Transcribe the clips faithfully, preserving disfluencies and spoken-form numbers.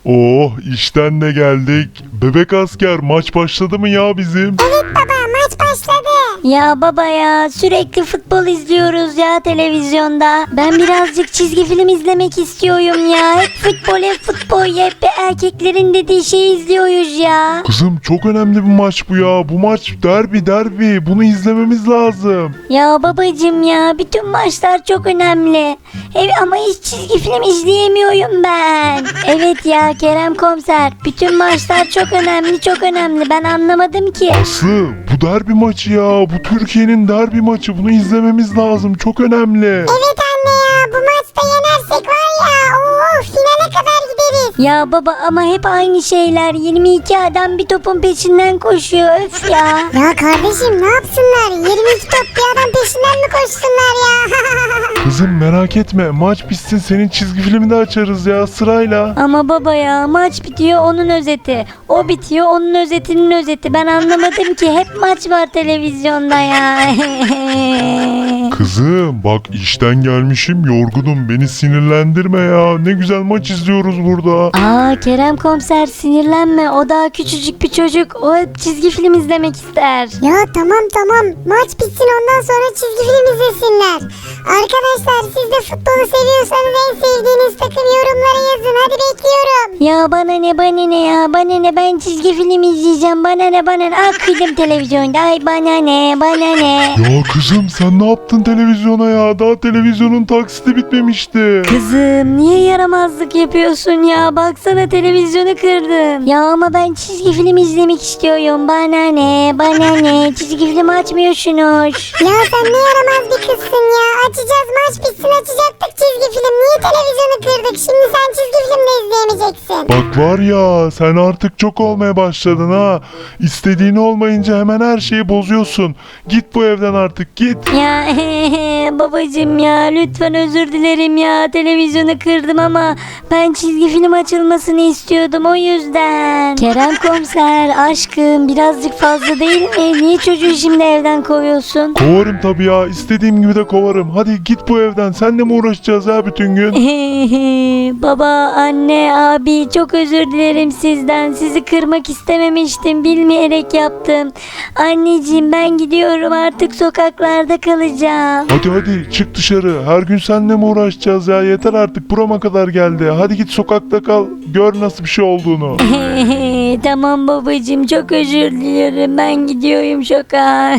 Oh, işten de geldik. Bebek asker, maç başladı mı ya bizim? Evet baba, maç başladı. Ya baba ya, sürekli futbol izliyoruz ya televizyonda. Ben birazcık çizgi film izlemek istiyorum ya. Hep futbol hep futbol hep erkeklerin dediği şeyi izliyoruz ya. Kızım çok önemli bir maç bu ya. Bu maç derbi derbi. Bunu izlememiz lazım. Ya babacım ya, bütün maçlar çok önemli. Evet ama hiç çizgi film izleyemiyorum ben. Evet ya Kerem komiser, bütün maçlar çok önemli çok önemli. Ben anlamadım ki. Aslı, bu derbi maçı ya. Bu Türkiye'nin derbi maçı. Bunu izlememiz lazım. Çok önemli. Evet anne ya, bu maçta yenersek var ya, oo, finale kadar gideriz. Ya baba ama hep aynı şeyler. yirmi iki adam bir topun peşinden koşuyor. Öf ya. Ya kardeşim ne yapsınlar? yirmi iki top bir adam peşinden mi koşsunlar ya? Kızım merak etme. Maç bitsin, senin çizgi filmini de açarız ya sırayla. Ama baba ya, maç bitiyor onun özeti. O bitiyor onun özetinin özeti. Ben anlamadım ki, hep maç var televizyonda ya. Kızım bak, işten gelmişim, yorgunum. Beni sinirlendirme ya. Ne güzel maç izliyoruz burada. Aa Kerem komiser, sinirlenme. O daha küçücük bir çocuk. O hep çizgi film izlemek ister. Ya tamam tamam, maç bitsin ondan sonra çizgi film izlesinler. Arkadaşlar siz de futbolu seviyorsanız en sevdiğiniz takım yorumlara yazın, hadi bekliyorum. Ya bana ne bana ne ya, bana ne, ben çizgi film izleyeceğim, bana ne bana ne. Ah kıydım televizyonda, ay bana ne bana ne. Ya kızım sen ne yaptın televizyona ya? Daha televizyonun taksiti bitmemişti. Kızım niye yaramazlık yapıyorsun ya, baksana televizyonu kırdım. Ya ama ben çizgi film izlemek istiyorum, bana ne bana ne, çizgi film açmıyorsunuz. Ya sen ne yaramaz bir kızsın ya. Açacağız, maç bitsin açacaktık çizgi film. Niye televizyonu kırdık? Şimdi sen çizgi film de izleyemeyeceksin. Bak var ya, sen artık çok olmaya başladın ha. İstediğin olmayınca hemen her şeyi bozuyorsun. Git bu evden artık, git. Ya babacım ya, lütfen özür dilerim ya, televizyonu kırdım ama ben çizgi film açılmasını istiyordum, o yüzden. Kerem komiser aşkım, birazcık fazla değil mi? Niye çocuğu şimdi evden kovuyorsun? Kovarım tabii ya. İstediğim gibi de kovarım. Hadi git bu evden. Senle mi uğraşacağız ya bütün gün? Baba, anne, abi, çok özür dilerim sizden. Sizi kırmak istememiştim. Bilmeyerek yaptım. Anneciğim ben gidiyorum. Artık sokaklarda kalacağım. Hadi hadi çık dışarı. Her gün seninle mi uğraşacağız ya? Yeter artık, burama kadar geldi. Hadi git sokakta kal. Gör nasıl bir şey olduğunu. Tamam babacığım, çok özür dilerim. Ben gidiyorum sokağa.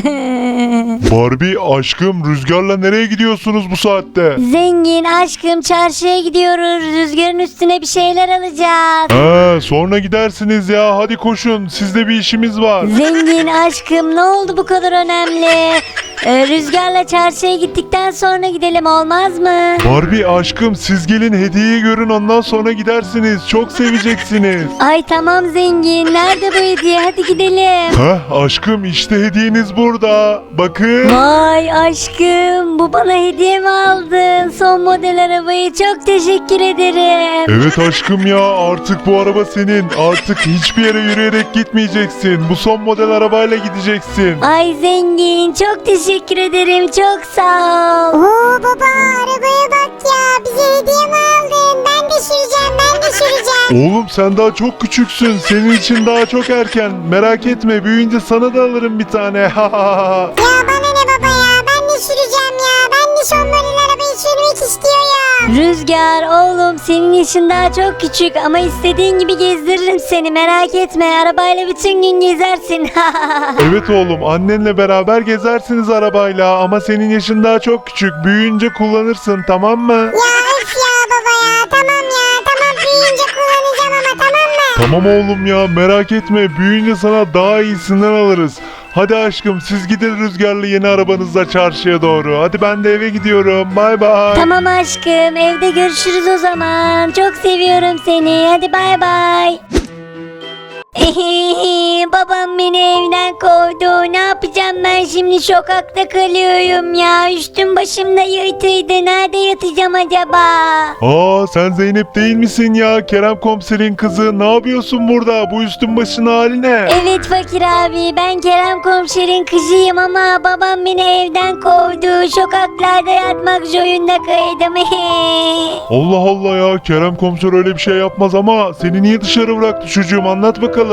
Barbie aşkım, Rüzgar'la nereye gidiyorsunuz bu saatte? Zengin aşkım, çarşıya gidiyoruz. Rüzgarın üstüne bir şeyler alacağız. Ha, sonra gidersiniz ya. Hadi koşun. Sizde bir işimiz var. Zengin aşkım, ne oldu bu kadar önemli? Ee, Rüzgarla çarşıya gittikten sonra gidelim, olmaz mı? Barbie aşkım, siz gelin hediyeyi görün, ondan sonra gidersiniz. Çok seveceksiniz. Ay tamam zengin, nerede bu hediye, hadi gidelim. Heh aşkım, işte hediyeniz burada. Bakın. Vay aşkım, bu bana hediye mi aldın? Son model arabayı, çok teşekkür ederim. Evet aşkım ya, artık bu araba senin. Artık hiçbir yere yürüyerek gitmeyeceksin. Bu son model arabayla gideceksin. Ay zengin, çok teşekkür ederim, çok sağ ol. Oo baba, arabaya bak ya. Bize hediye mi aldın? Ben de süreceğim, ben de süreceğim. Oğlum sen daha çok küçüksün. Senin için daha çok erken. Merak etme, büyüyünce sana da alırım bir tane. Ya bana ne baba ya, ben de süreceğim ya. Ben de son model arabayı sürmek istiyorum. Rüzgar oğlum, senin yaşın daha çok küçük ama istediğin gibi gezdiririm seni, merak etme, arabayla bütün gün gezersin. Evet oğlum, annenle beraber gezersiniz arabayla ama senin yaşın daha çok küçük. Büyüyünce kullanırsın, tamam mı? Ya öf ya baba ya, tamam ya. Tamam, büyüyünce kullanacağım ama, tamam mı? Tamam oğlum ya, merak etme, büyüyünce sana daha iyisinden alırız. Hadi aşkım, siz gidin Rüzgar'la yeni arabanızla çarşıya doğru. Hadi ben de eve gidiyorum. Bay bay. Tamam aşkım, evde görüşürüz o zaman. Çok seviyorum seni, hadi bay bay. Babam beni evden kovdu. Ne yapacağım ben şimdi, sokakta kalıyorum ya. Üstüm başım da yırtıydı. Nerede yatacağım acaba? Aa sen Zeynep değil misin ya? Kerem komiserin kızı. Ne yapıyorsun burada? Bu üstün başın hali ne? Evet fakir abi, ben Kerem komiserin kızıyım ama babam beni evden kovdu. Sokaklarda yatmak zorunda kaydım. Allah Allah ya, Kerem komiser öyle bir şey yapmaz ama seni niye dışarı bıraktı çocuğum, anlat bakalım.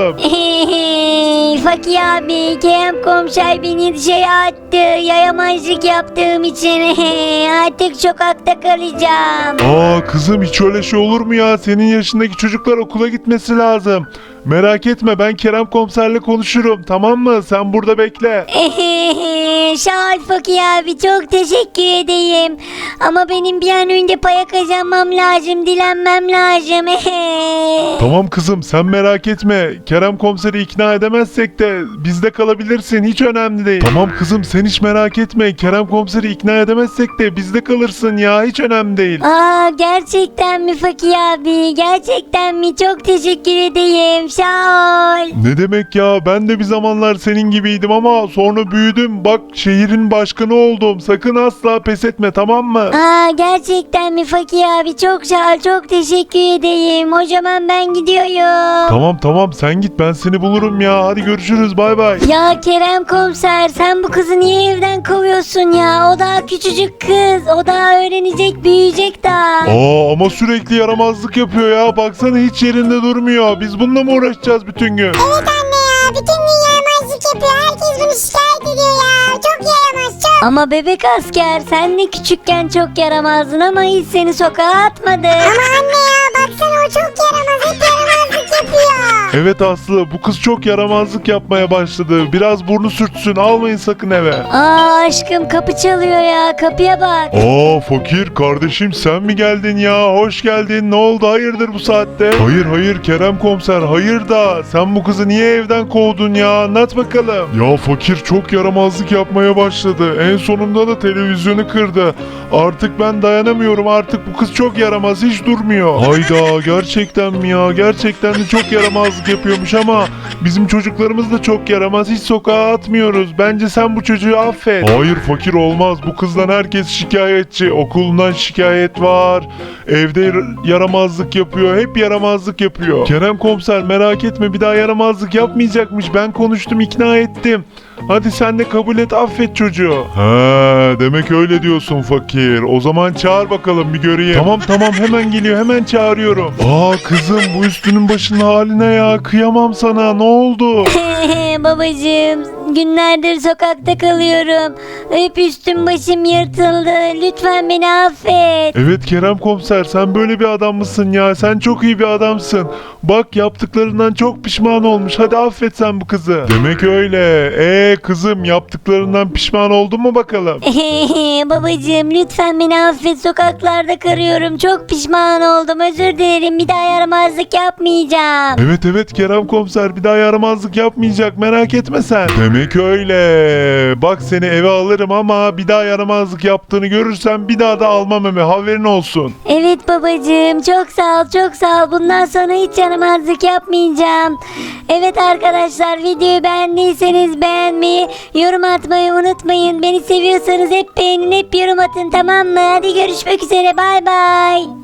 Fakir abi, Kerem komiser beni dışarı attı. Yayamazlık yaptığım için artık sokakta kalacağım. Aa kızım, hiç öyle şey olur mu ya? Senin yaşındaki çocuklar okula gitmesi lazım. Merak etme, ben Kerem komiserle konuşurum, tamam mı? Sen burada bekle. Sağ ol fakir abi, çok teşekkür edeyim. Ama benim bir an önce para kazanmam lazım, dilenmem lazım. Tamam kızım, sen merak etme. Kerem komiseri ikna edemezsek de bizde kalabilirsin, hiç önemli değil. Tamam kızım, sen hiç merak etme. Kerem komiseri ikna edemezsek de bizde kalırsın ya, hiç önemli değil. Aa, gerçekten mi fakir abi? Gerçekten mi? Çok teşekkür edeyim. Sağ ol. Ne demek ya, ben de bir zamanlar senin gibiydim ama sonra büyüdüm. Bak, şehrin başkanı oldum. Sakın asla pes etme, tamam mı? Aa, gerçekten mi fakir abi? Çok sağ ol. Çok teşekkür edeyim. O zaman ben gidiyorum. Tamam tamam, sen git, ben seni bulurum ya. Hadi görüşürüz, bay bay. Ya Kerem komiser, sen bu kızı niye evden kovuyorsun ya? O daha küçücük kız. O daha öğrenecek, büyüyecek daha. Aa ama sürekli yaramazlık yapıyor ya. Baksana, hiç yerinde durmuyor. Biz bununla mı uğraşacağız bütün gün? Evet anne ya, bütün gün yaramazlık yapıyor. Herkes bunu şikayet ediyor ya. Çok yaramaz, çok. Ama bebek asker, sen de küçükken çok yaramazdın ama hiç seni sokağa atmadı. Ama anne ya, baksana o çok yaramaz. Hep yaramazlık yapıyor. Evet Aslı, bu kız çok yaramazlık yapmaya başladı. Biraz burnu sürtsün, almayın sakın eve. Aa aşkım, kapı çalıyor ya, kapıya bak. Aa fakir kardeşim, sen mi geldin ya? Hoş geldin. Ne oldu, hayırdır bu saatte? Hayır hayır Kerem komiser, hayır da sen bu kızı niye evden kovdun ya? Anlat bakalım. Ya fakir çok yaramazlık yapmaya başladı. En sonunda da televizyonu kırdı. Artık ben dayanamıyorum. Artık bu kız çok yaramaz, hiç durmuyor. Hayda, gerçekten mi ya? Gerçekten de çok yaramazlık yapıyormuş ama bizim çocuklarımız da çok yaramaz. Hiç sokağa atmıyoruz. Bence sen bu çocuğu affet. Hayır fakir, olmaz. Bu kızdan herkes şikayetçi. Okulundan şikayet var. Evde yaramazlık yapıyor. Hep yaramazlık yapıyor. Kerem komiser merak etme, bir daha yaramazlık yapmayacakmış. Ben konuştum, ikna ettim. Hadi sen de kabul et, affet çocuğu. He, demek öyle diyorsun fakir. O zaman çağır bakalım, bir göreyim. Tamam tamam, hemen geliyor, hemen çağırıyorum. Aa kızım, bu üstünün başının haline ya. Kıyamam sana, ne oldu? Babacığım, günlerdir sokakta kalıyorum. Hep üstüm başım yırtıldı. Lütfen beni affet. Evet Kerem komiser, sen böyle bir adam mısın ya? Sen çok iyi bir adamsın. Bak, yaptıklarından çok pişman olmuş. Hadi affet sen bu kızı. Demek öyle. Eee kızım, yaptıklarından pişman oldun mu bakalım? Babacığım, lütfen beni affet. Sokaklarda karıyorum. Çok pişman oldum. Özür dilerim. Bir daha yaramazlık yapmayacağım. Evet evet Kerem komiser, bir daha yaramazlık yapmayacak, merak etme sen. Demek öyle. Bak, seni eve alırım ama bir daha yaramazlık yaptığını görürsem bir daha da almam eve, haberin olsun. Evet babacığım, çok sağ ol, çok sağ ol. Bundan sonra hiç yaramazlık yapmayacağım. Evet arkadaşlar, videoyu beğendiyseniz beğenmeyi, yorum atmayı unutmayın. Beni seviyorsanız hep beğenin, hep yorum atın, tamam mı? Hadi görüşmek üzere, bay bay.